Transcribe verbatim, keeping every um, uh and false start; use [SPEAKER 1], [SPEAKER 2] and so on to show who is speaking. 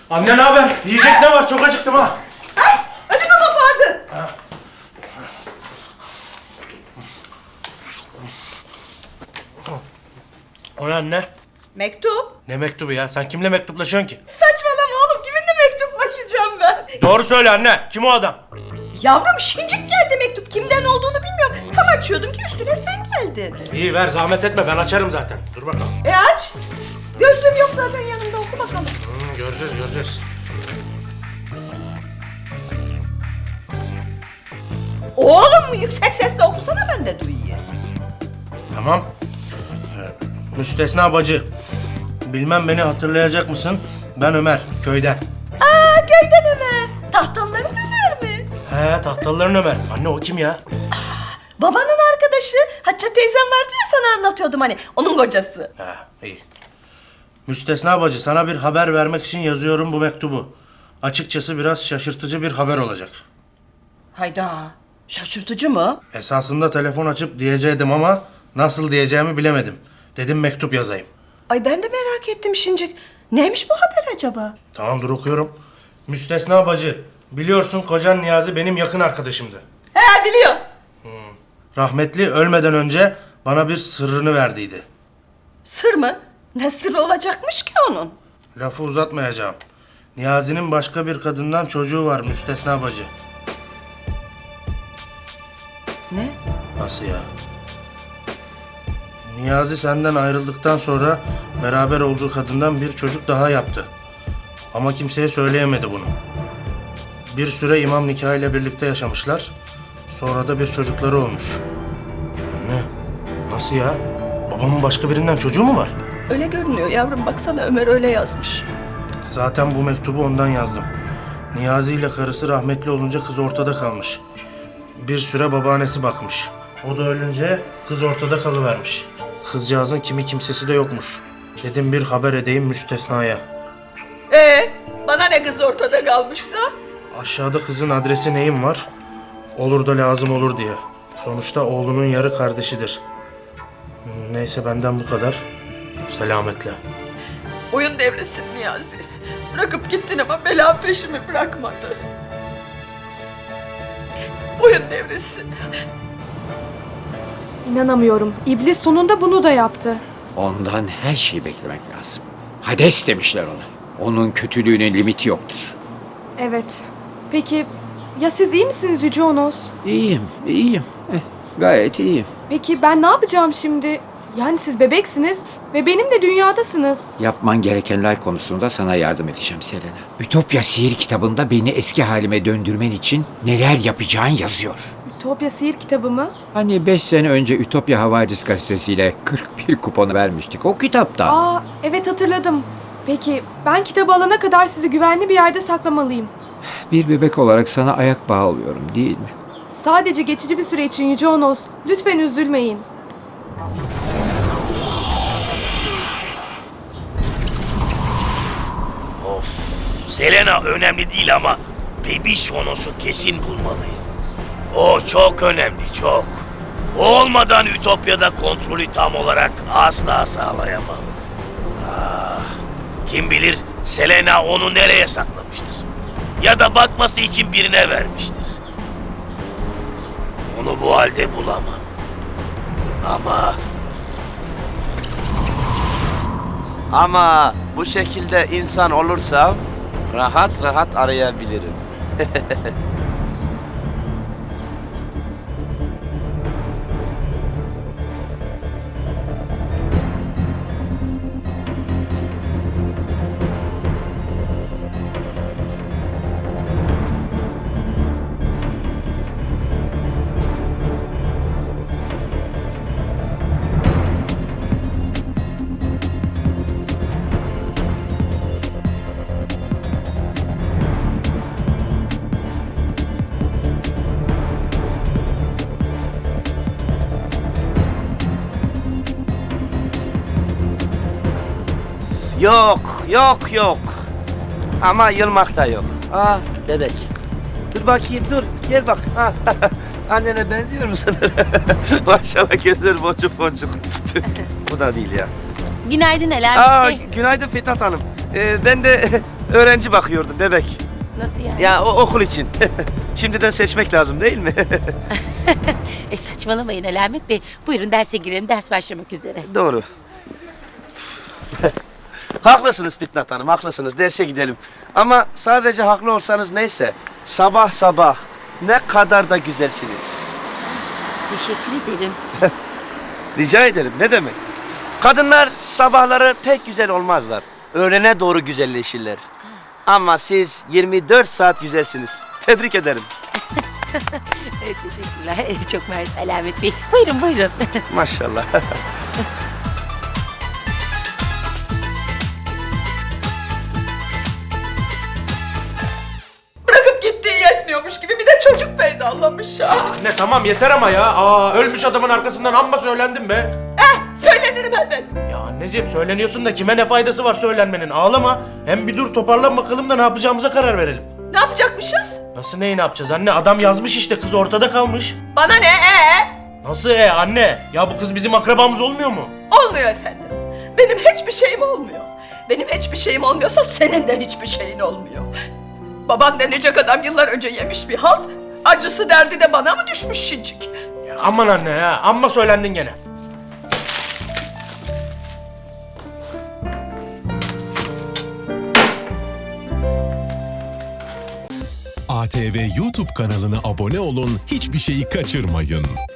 [SPEAKER 1] Anne ne haber? Yiyecek ne var? Çok acıktım ha.
[SPEAKER 2] Ay, ödümü kopardın.
[SPEAKER 1] Ha. O ne anne?
[SPEAKER 2] Mektup.
[SPEAKER 1] Ne mektubu ya? Sen kimle mektuplaşıyorsun ki?
[SPEAKER 2] Saçmalama oğlum, kiminle mektuplaşacağım ben?
[SPEAKER 1] Doğru söyle anne. Kim o adam?
[SPEAKER 2] Yavrum şincik geldi mektup. Kimden olduğunu bilmiyorum. Tam açıyordum ki üstüne sen geldin.
[SPEAKER 1] İyi ver, zahmet etme. Ben açarım zaten. Dur bakalım.
[SPEAKER 2] E aç. Gözlüğüm yok zaten yanımda, oku bakalım.
[SPEAKER 1] Hmm, göreceğiz, göreceğiz.
[SPEAKER 2] Oğlum yüksek sesle okusana, ben de duyayım.
[SPEAKER 1] Tamam. Ee, Müstesna bacı. Bilmem beni hatırlayacak mısın? Ben Ömer, köyden.
[SPEAKER 2] Aa, köyden Ömer. Tahtalıların Ömer mi?
[SPEAKER 1] He, tahtalıların Ömer. Anne o kim ya?
[SPEAKER 2] Babanın arkadaşı. Hatice teyzem vardı ya, sana anlatıyordum hani. Onun kocası.
[SPEAKER 1] He, iyi. Müstesna bacı, sana bir haber vermek için yazıyorum bu mektubu. Açıkçası biraz şaşırtıcı bir haber olacak.
[SPEAKER 2] Hayda. Şaşırtıcı mı?
[SPEAKER 1] Esasında telefon açıp diyecektim ama nasıl diyeceğimi bilemedim. Dedim mektup yazayım.
[SPEAKER 2] Ay ben de merak ettim şincik. Neymiş bu haber acaba?
[SPEAKER 1] Tamam dur okuyorum. Müstesna bacı, biliyorsun kocan Niyazi benim yakın arkadaşımdı.
[SPEAKER 2] He, biliyorum.
[SPEAKER 1] Rahmetli ölmeden önce bana bir sırrını verdiydi.
[SPEAKER 2] Sır mı? Ne sırrı olacakmış ki onun?
[SPEAKER 1] Lafı uzatmayacağım. Niyazi'nin başka bir kadından çocuğu var Müstesna bacı.
[SPEAKER 2] Ne?
[SPEAKER 1] Nasıl ya? Niyazi senden ayrıldıktan sonra beraber olduğu kadından bir çocuk daha yaptı. Ama kimseye söyleyemedi bunu. Bir süre imam nikahıyla birlikte yaşamışlar. Sonra da bir çocukları olmuş. Anne, nasıl ya? Babamın başka birinden çocuğu mu var?
[SPEAKER 2] Öyle görünüyor yavrum, baksana Ömer öyle yazmış.
[SPEAKER 1] Zaten bu mektubu ondan yazdım. Niyazi ile karısı rahmetli olunca kız ortada kalmış. Bir süre babaannesi bakmış. O da ölünce kız ortada kalıvermiş. Kızcağızın kimi kimsesi de yokmuş. Dedim bir haber edeyim Müstesna'ya.
[SPEAKER 2] Ee, bana ne kız ortada kalmışsa?
[SPEAKER 1] Aşağıda kızın adresi neyim var? Olur da lazım olur diye. Sonuçta oğlunun yarı kardeşidir. Neyse benden bu kadar. Selametle.
[SPEAKER 2] Oyun devresin Niyazi. Bırakıp gittin ama bela peşimi bırakmadı. Oyun devresin.
[SPEAKER 3] İnanamıyorum. İblis sonunda bunu da yaptı.
[SPEAKER 4] Ondan her şeyi beklemek lazım. Hades demişler ona. Onun kötülüğünün limiti yoktur.
[SPEAKER 3] Evet. Peki ya siz iyi misiniz Yüce Onos?
[SPEAKER 4] İyiyim, iyiyim. Eh, gayet iyiyim.
[SPEAKER 3] Peki ben ne yapacağım şimdi? Yani siz bebeksiniz ve benim de dünyadasınız.
[SPEAKER 4] Yapman gerekenler konusunda sana yardım edeceğim Selena. Ütopya sihir kitabında beni eski halime döndürmen için neler yapacağın yazıyor.
[SPEAKER 3] Ütopya sihir kitabı mı?
[SPEAKER 4] Hani beş sene önce Ütopya Havadis gazetesiyle kırk bir kuponu vermiştik. O kitapta.
[SPEAKER 3] Aa, evet hatırladım. Peki ben kitabı alana kadar sizi güvenli bir yerde saklamalıyım.
[SPEAKER 4] Bir bebek olarak sana ayak bağı oluyorum değil mi?
[SPEAKER 3] Sadece geçici bir süre için Yüce Onos. Lütfen üzülmeyin.
[SPEAKER 5] Of, Selena önemli değil ama Bebiş Honos'u kesin bulmalıyım. O çok önemli, çok. O olmadan Ütopya'da kontrolü tam olarak asla sağlayamam. Ah, kim bilir Selena onu nereye saklamıştır? Ya da bakması için birine vermiştir. Onu bu halde bulamam. Ama...
[SPEAKER 6] Ama bu şekilde insan olursam rahat rahat arayabilirim. Yok, yok, yok. Ama yılmak da yok. Aa, bebek. Dur bakayım, dur. Gel bak. Ha. Annene benziyor musun? Maşallah gözler boncuk boncuk. Bu da değil ya.
[SPEAKER 7] Günaydın Ela
[SPEAKER 6] Aa,
[SPEAKER 7] Bey.
[SPEAKER 6] günaydın Fitnat Hanım. Ee, ben de öğrenci bakıyordum bebek.
[SPEAKER 7] Nasıl yani?
[SPEAKER 6] Ya o okul için. Şimdiden seçmek lazım değil mi?
[SPEAKER 7] E saçmalamayın Alamet Bey. Buyurun derse girelim. Ders başlamak üzere.
[SPEAKER 6] Doğru. Haklısınız Fitnat Hanım, haklısınız. Derse gidelim. Ama sadece haklı olsanız neyse. Sabah sabah ne kadar da güzelsiniz.
[SPEAKER 7] Teşekkür ederim.
[SPEAKER 6] Rica ederim, ne demek? Kadınlar sabahları pek güzel olmazlar. Öğlene doğru güzelleşirler. Ama siz yirmi dört saat güzelsiniz. Tebrik ederim.
[SPEAKER 7] E, teşekkürler. E, çok mersi Alamet Bey. Buyurun buyurun.
[SPEAKER 6] Maşallah.
[SPEAKER 2] Bırakıp gittiği yetmiyormuş gibi bir de çocuk peydallamış ya.
[SPEAKER 1] Anne tamam yeter ama ya. Aa, ölmüş adamın arkasından amma söylendim be.
[SPEAKER 2] Eh, söylenirim elbet.
[SPEAKER 1] Ya anneciğim söyleniyorsun da kime ne faydası var söylenmenin? Ağlama. Hem bir dur toparlan bakalım da ne yapacağımıza karar verelim.
[SPEAKER 2] Ne yapacakmışız?
[SPEAKER 1] Nasıl neyi ne yapacağız anne? Adam yazmış işte, kız ortada kalmış.
[SPEAKER 2] Bana ne ee?
[SPEAKER 1] Nasıl e anne? Ya bu kız bizim akrabamız olmuyor mu?
[SPEAKER 2] Olmuyor efendim. Benim hiçbir şeyim olmuyor. Benim hiçbir şeyim olmuyorsa senin de hiçbir şeyin olmuyor. Baban denecek adam yıllar önce yemiş bir halt. Acısı derdi de bana mı düşmüş şincik?
[SPEAKER 1] Ya aman anne ya, amma söylendin gene.
[SPEAKER 8] A T V YouTube kanalına abone olun, hiçbir şeyi kaçırmayın.